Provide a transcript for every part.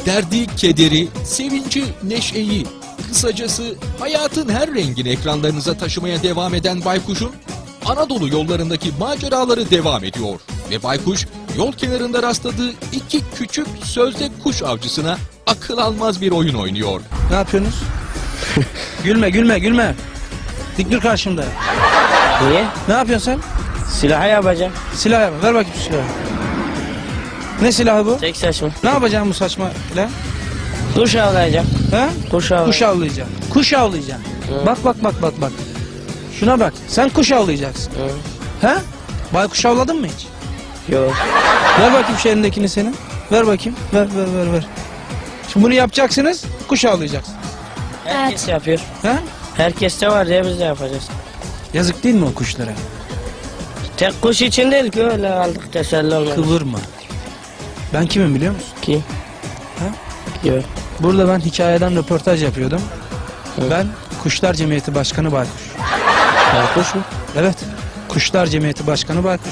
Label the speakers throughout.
Speaker 1: Derdi, kederi, sevinci, neşeyi, kısacası hayatın her rengini ekranlarınıza taşımaya devam eden Baykuş'un Anadolu yollarındaki maceraları devam ediyor. Ve Baykuş yol kenarında rastladığı iki küçük sözde kuş avcısına akıl almaz bir oyun oynuyor.
Speaker 2: Ne yapıyorsunuz? Gülme gülme gülme. Dik dur karşımda.
Speaker 3: Niye?
Speaker 2: Ne yapıyorsun sen?
Speaker 3: Silahı yapacağım.
Speaker 2: Silah yapma. Ver bakayım şu silahı. Ne silahı bu?
Speaker 3: Tek saçma.
Speaker 2: Ne yapacaksın bu saçma silah?
Speaker 3: Kuş avlayacağım.
Speaker 2: He?
Speaker 3: Kuş avlayacağım.
Speaker 2: Kuş avlayacaksın. Kuş avlayacaksın.
Speaker 3: Hı.
Speaker 2: Bak bak bak bak bak. Şuna bak. Sen kuş avlayacaksın.
Speaker 3: Hı.
Speaker 2: He? Baykuş avladın mı hiç?
Speaker 3: Yok.
Speaker 2: Ver bakayım şu elindekini senin. Ver bakayım. Ver ver ver ver. Şimdi bunu yapacaksınız. Kuş avlayacaksın.
Speaker 3: Herkes yapıyor.
Speaker 2: He?
Speaker 3: Herkes de var diye biz de yapacağız.
Speaker 2: Yazık değil mi o kuşlara?
Speaker 3: Tek kuş için değil ki öyle aldık teselli olmadı.
Speaker 2: Kıvırma. Ben kimim biliyor musun?
Speaker 3: Kim?
Speaker 2: Ha?
Speaker 3: Yok.
Speaker 2: Burada ben hikayeden röportaj yapıyordum.
Speaker 3: Hı.
Speaker 2: Ben Kuşlar Cemiyeti Başkanı Baykuş.
Speaker 3: Baykuş mu?
Speaker 2: Evet. Kuşlar Cemiyeti Başkanı Baykuş.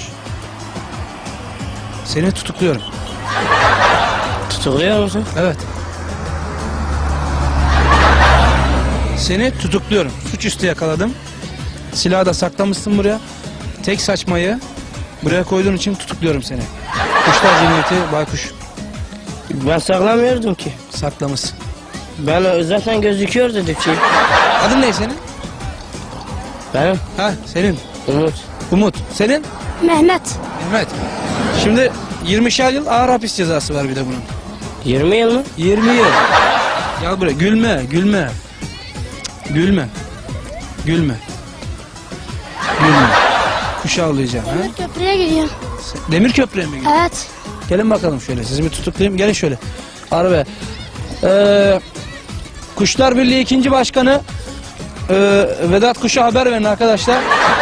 Speaker 2: Seni tutukluyorum.
Speaker 3: Tutukluyor musun?
Speaker 2: Evet. Seni tutukluyorum. Suçüstü yakaladım. Silahı da saklamışsın buraya. Tek saçmayı buraya koyduğun için tutukluyorum seni. Kuşlar Cemiyeti Baykuş.
Speaker 3: Ben saklamıyordum ki.
Speaker 2: Saklamışsın.
Speaker 3: Ben zaten gözüküyor dedik ki.
Speaker 2: Adın ne senin?
Speaker 3: Benim
Speaker 2: Ha senin.
Speaker 3: Umut.
Speaker 2: Umut. Senin?
Speaker 4: Mehmet.
Speaker 2: Mehmet. Şimdi 20'şer yıl ağır hapis cezası var bir de bunun.
Speaker 3: 20 yıl mı?
Speaker 2: 20 yıl. Gel buraya. Gülme, gülme. Cık, gülme. Gülme. Gülme. Kuş avlayacağım. Ha?
Speaker 4: Demir köprüye gidiyorum.
Speaker 2: Demir köprüye mi gidiyorsun?
Speaker 4: Evet.
Speaker 2: Gelin bakalım şöyle. Sizi bir tutuklayayım. Gelin şöyle. Arabaya. Kuşlar Birliği 2. Başkanı Vedat Kuş'a haber verin arkadaşlar.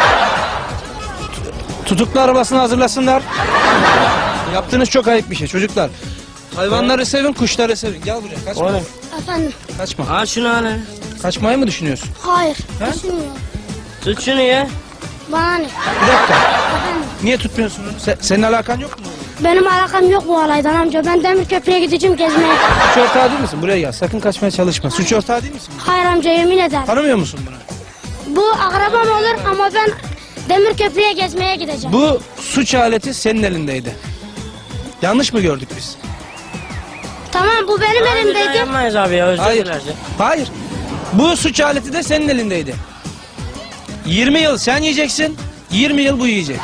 Speaker 2: Tutuklu arabasını hazırlasınlar. Yaptığınız çok ayıp bir şey çocuklar. Hayvanları sevin, kuşları sevin. Gel buraya. Kaçma.
Speaker 3: Oğlum.
Speaker 4: Efendim.
Speaker 2: Kaçma.
Speaker 3: Al şunu al.
Speaker 2: Kaçmayı mı düşünüyorsun?
Speaker 4: Hayır.
Speaker 2: He?
Speaker 4: Düşünmüyorum.
Speaker 3: Tut şunu ya.
Speaker 4: Bana ne?
Speaker 2: Bir dakika.
Speaker 4: Efendim.
Speaker 2: Niye tutmuyorsun onu? Senin alakan yok mu?
Speaker 4: Benim alakam yok bu olaydan amca. Ben demir köprüye gideceğim gezmeye.
Speaker 2: Suç ortağı değil misin? Buraya gel. Sakın kaçmaya çalışma. Suç ortağı değil misin?
Speaker 4: Hayır amca yemin ederim.
Speaker 2: Tanımıyor musun bunu?
Speaker 4: Bu akrabam olur ama ben demir köprüye gezmeye gideceğim.
Speaker 2: Bu suç aleti senin elindeydi. Yanlış mı gördük biz?
Speaker 4: Tamam bu benim elimdeydi.
Speaker 3: Yapmayız abi ya özür
Speaker 2: Hayır.
Speaker 3: dileriz.
Speaker 2: Hayır. Bu suç aleti de senin elindeydi. 20 yıl sen yiyeceksin. 20 yıl bu yiyecek.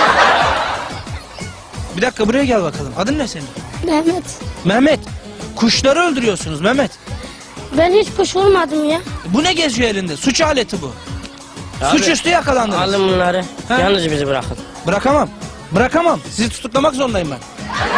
Speaker 2: Bir dakika buraya gel bakalım. Adın ne senin?
Speaker 4: Mehmet.
Speaker 2: Mehmet. Kuşları öldürüyorsunuz Mehmet.
Speaker 4: Ben hiç kuş vurmadım ya.
Speaker 2: Bu ne geziyor elinde? Suç aleti bu.
Speaker 3: Abi,
Speaker 2: Suçüstü yakalandınız.
Speaker 3: Alın bunları.
Speaker 2: Ha?
Speaker 3: Yalnız bizi bırakın.
Speaker 2: Bırakamam. Bırakamam. Sizi tutuklamak zorundayım ben.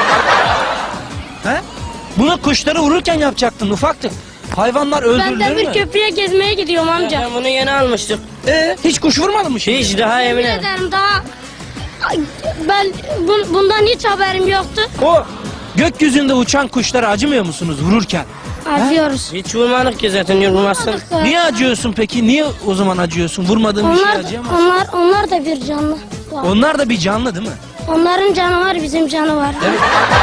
Speaker 2: He? Bunu kuşları vururken yapacaktın ufaktık. Hayvanlar
Speaker 4: Ben
Speaker 2: öldürülür
Speaker 4: demir
Speaker 2: mü?
Speaker 4: köprüye gezmeye gidiyorum amca.
Speaker 3: Ben bunu yeni almıştık.
Speaker 2: Hiç kuş vurmadın mı şimdi?
Speaker 3: Hiç daha
Speaker 4: Yemin
Speaker 3: yemin ederim.
Speaker 4: ederim daha... Ay, ben bundan hiç haberim yoktu.
Speaker 2: O gökyüzünde uçan kuşlara acımıyor musunuz vururken?
Speaker 4: Acıyoruz.
Speaker 3: Hiç vurmadık ki zaten yorulmazsın.
Speaker 2: Niye acıyorsun peki? Niye o zaman acıyorsun? Vurmadığın bir şey acıyamaz.
Speaker 4: Onlar da bir canlı. Var.
Speaker 2: Onlar da bir canlı değil mi?
Speaker 4: Onların canı var, bizim canı var.
Speaker 2: Evet.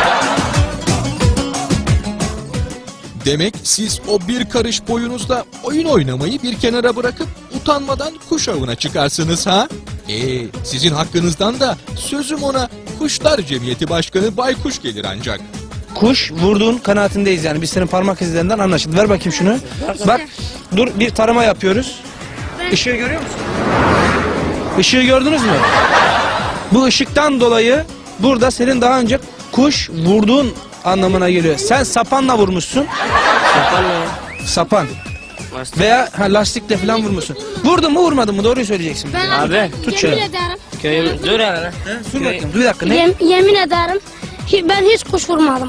Speaker 1: Demek siz o bir karış boyunuzda oyun oynamayı bir kenara bırakıp utanmadan kuş avına çıkarsınız ha? Sizin hakkınızdan da sözüm ona Kuşlar Cemiyeti Başkanı Baykuş gelir ancak.
Speaker 2: Kuş vurduğun kanaatindeyiz yani. Biz senin parmak izlerinden anlaşıldı. Ver bakayım şunu. Bak dur bir tarama yapıyoruz. Işığı görüyor musun? Işığı gördünüz mü? Bu ışıktan dolayı burada senin daha önce kuş vurduğun anlamına geliyor. Sen sapanla vurmuşsun.
Speaker 3: Sapan mı ya?
Speaker 2: Sapan.
Speaker 3: Lastik.
Speaker 2: Veya lastikle falan vurmuşsun. Vurdun mu vurmadın mı? Doğruyu söyleyeceksin.
Speaker 4: Ben
Speaker 3: Abi,
Speaker 2: tut
Speaker 4: yemin
Speaker 2: şöyle.
Speaker 4: ederim.
Speaker 3: Köyüm dur hele.
Speaker 2: Dur bakayım. Dur bir dakika. Ne?
Speaker 4: Yemin ederim. Ben hiç kuş vurmadım.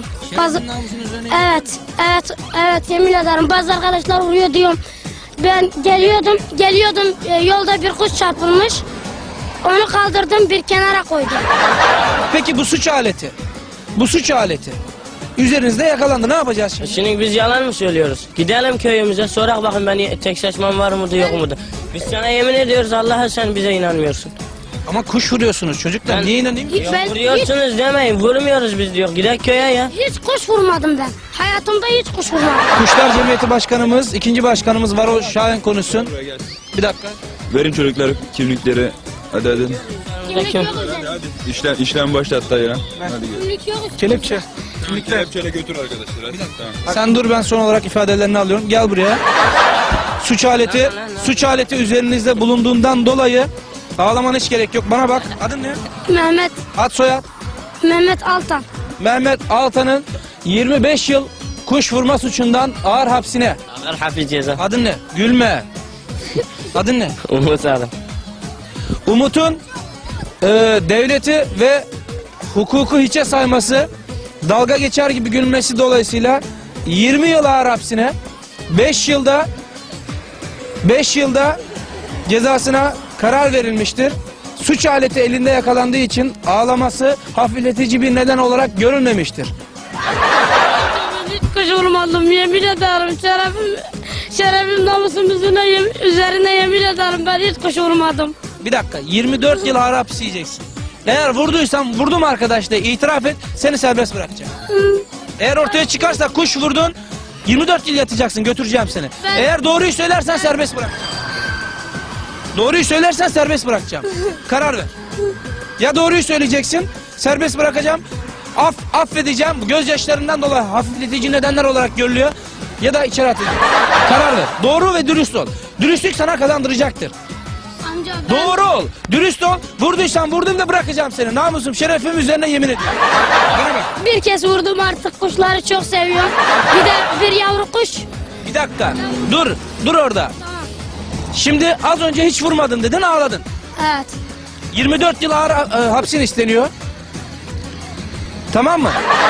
Speaker 4: Evet yemin ederim. Bazı arkadaşlar vuruyor diyorum. Ben geliyordum yolda bir kuş çarpılmış. Onu kaldırdım bir kenara koydum.
Speaker 2: Peki bu suç aleti. Bu suç aleti. Üzerinizde yakalandı. Ne yapacağız şimdi?
Speaker 3: Şimdi biz yalan mı söylüyoruz? Gidelim köyümüze sorak bakın ben tek saçmam var mıdır yok mudur? Biz sana yemin ediyoruz Allah'a sen bize inanmıyorsun.
Speaker 2: Ama kuş vuruyorsunuz çocuklar.
Speaker 3: Ben-
Speaker 2: Niye inanayım?
Speaker 4: Hiç, ben hiç,
Speaker 3: Vuruyorsunuz demeyin. Vurmuyoruz biz diyor. Gidelim köye ya.
Speaker 4: hiç kuş vurmadım ben. Hayatımda hiç kuş vurmadım.
Speaker 2: Kuşlar Cemiyeti Başkanımız, ikinci başkanımız var, o Şahin konuşsun. Bir dakika.
Speaker 5: Verin çocuklar kimlikleri. Hadi hadi.
Speaker 4: Kimlik yok üzerinde.
Speaker 5: İşlem başlat dayı. Hadi gel.
Speaker 4: Kimlik yok üzerinde.
Speaker 2: Kelepçe.
Speaker 5: Kelepçeyle götür arkadaşlar. Hadi. Tamam.
Speaker 2: Sen dur, ben son olarak ifadelerini alıyorum. Gel buraya. Suç aleti üzerinizde bulunduğundan dolayı ağlamana hiç gerek yok. Bana bak. Adın ne?
Speaker 4: Mehmet,
Speaker 2: Ad soyad.
Speaker 4: Mehmet Altan.
Speaker 2: Mehmet Altan'ın 25 yıl kuş vurma suçundan ağır hapsine.
Speaker 3: Ağır hafif ceza.
Speaker 2: Adın ne? Gülme. Adın ne?
Speaker 3: Umut adam.
Speaker 2: Umut'un devleti ve hukuku hiçe sayması, dalga geçer gibi gülmesi dolayısıyla 20 yıl ağır hapsine, 5 yılda cezasına karar verilmiştir. Suç aleti elinde yakalandığı için ağlaması hafifletici bir neden olarak görülmemiştir.
Speaker 4: Hiç kuş vurmadım, yemin ederim. Şerefim namusum üzerine yemin ederim, ben hiç kuş vurmadım.
Speaker 2: Bir dakika, 24 yıl ağır hapis yiyeceksin. Eğer vurduysan, vurdum arkadaş de itiraf et, seni serbest bırakacağım. Eğer ortaya çıkarsa kuş vurdun, 24 yıl yatacaksın, götüreceğim seni.
Speaker 4: Ben-
Speaker 2: Eğer doğruyu söylersen serbest bırakacağım. Doğruyu söylersen serbest bırakacağım. Karar ver. Ya doğruyu söyleyeceksin, serbest bırakacağım. Affedeceğim, bu gözyaşlarından dolayı hafifletici nedenler olarak görülüyor. Ya da içeri atacağım. Karar ver. Doğru ve dürüst ol. Dürüstlük sana kazandıracaktır.
Speaker 4: Amca ben...
Speaker 2: Doğru ol, dürüst ol. Vurduysan vurdum da bırakacağım seni. Namusum, şerefim üzerine yemin ediyorum. Bana bak.
Speaker 4: Bir kez vurdum, artık kuşları çok seviyorum. Bir de bir yavru kuş.
Speaker 2: Bir dakika. Dur orada. Şimdi az önce hiç vurmadın dedin, ağladın.
Speaker 4: Evet.
Speaker 2: 24 yıl ağır hapsin isteniyor. Tamam mı?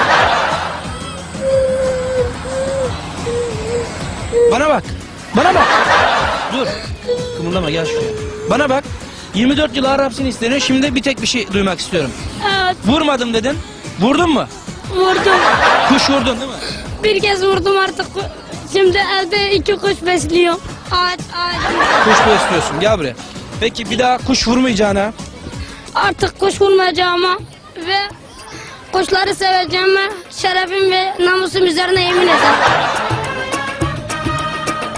Speaker 2: Bana bak. Dur. Kımıldama, gel şuraya. Bana bak. 24 yıl ağır hapsin isteniyor. Şimdi bir tek bir şey duymak istiyorum.
Speaker 4: Evet,
Speaker 2: Vurmadım dedin. Vurdun mu?
Speaker 4: vurdum.
Speaker 2: Kuş vurdun değil mi?
Speaker 4: Bir kez vurdum artık. Şimdi evde 2 kuş besliyorum. Ağaç.
Speaker 2: Kuş besliyorsun. Gel buraya. Peki bir daha kuş vurmayacağına,
Speaker 4: Artık kuş vurmayacağıma ve kuşları seveceğime şerefim ve namusum üzerine yemin ederim.